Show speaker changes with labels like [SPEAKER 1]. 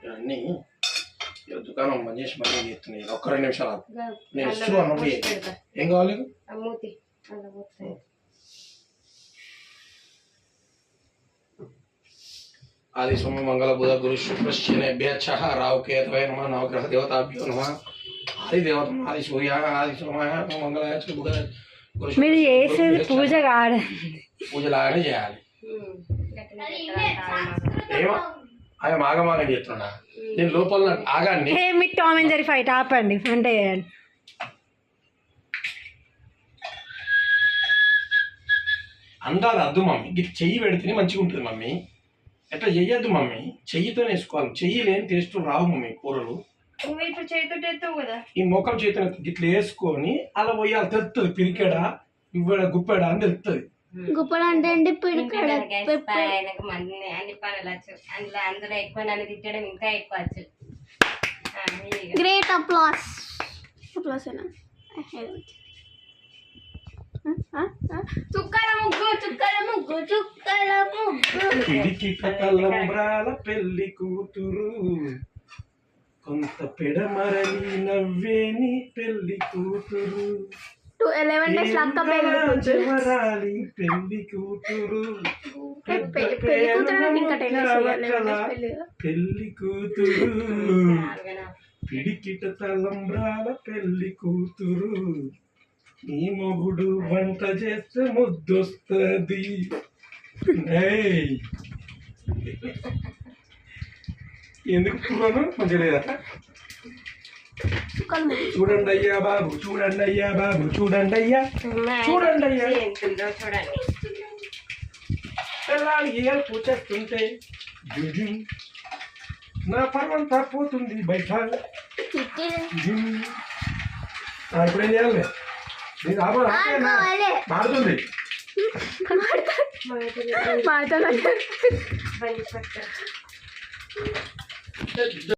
[SPEAKER 1] ఇవన్నీ దుకాణం బంద్ చేసి మళ్ళీ చేస్తున్నాయి. ఒక్క 2 నిమిషాలు నేను ఇస్తున్నాను. ఏం కావాలి? ఆది సోమ మంగళ బుధ గురు శుక్ర శనేభ్యశ్చ రాహు కేతవే నమః. నవగ్రహ దేవతాభ్యో నమః. ఆది దేవత ఆది సూర్య ఆది సోమాయ మంగళాయ బుధ గురు.
[SPEAKER 2] మీరు చేసేది పూజ కాదు,
[SPEAKER 1] పూజ లాగానే చేయాలి. ఏమో అవి మాగమాగం చేస్తున్నా నేను లోపల ఆగాన్ని.
[SPEAKER 2] మీకు టామ్ అండ్ జెర్రీ ఫైట్ ఆపండి, అంటే
[SPEAKER 1] అందాలి అద్దు మమ్మీ. చెయ్యి పెడితేనే మంచిగా ఉంటుంది మమ్మీ. ఎట్లా చెయ్యొద్దు మమ్మీ, చెయ్యితో వేసుకోవాలి. చెయ్యి లేని టేస్ట్ రావు మమ్మీ కూరలు.
[SPEAKER 2] ఇప్పుడు చేతితో చేస్తావు కదా,
[SPEAKER 1] ఈ మొక్కలు చేతితో ఇట్లా వేసుకొని అలా పోయాలి. తెలుస్తుంది పిరికెడా ఇవ్వడ గుప్పెడా అని తెలుస్తుంది.
[SPEAKER 3] గుప్పడు అంటే అండి పిడికడ
[SPEAKER 4] అన్ని పనులు వచ్చు. అందులో ఎక్కువ నన్ను తిట్టడం ఇంకా ఎక్కువ వచ్చు.
[SPEAKER 3] Great applause. చుక్కల ముగ్గు చుక్కల ముగ్గు చుక్కల ముగ్గు.
[SPEAKER 1] పిడికిట తలంబ్రాల పెళ్లి కూతురు కొంత పెడమరని నవ్వేని పెళ్లి కూతురు.
[SPEAKER 3] 11 days లక్క పెళ్లి కూతురు.
[SPEAKER 1] పెళ్లి కూతురు
[SPEAKER 3] పెళ్లి కూతురు ఇంకా 10 days
[SPEAKER 1] పెళ్లి కూతురు పిడికిట తలంబ్రాల పెళ్లి కూతురు. నీ మొగుడు వంట చేస్తే ముద్దొస్తుంది. ఎందుకు పురాను మంచిగా లేదా? చూడండి అయ్యా బాబు, చూడండి అయ్యా బాబు, చూడండి అయ్యా, చూడండి అయ్యా.
[SPEAKER 4] చూడండి
[SPEAKER 1] పిల్లలు ఏల్పు చేస్తుంటే నా పర్వంతా పోతుంది బయట. ఇప్పుడు ఏం చేయాలి? మారుతుంది.
[SPEAKER 2] మాట్లాడాలి.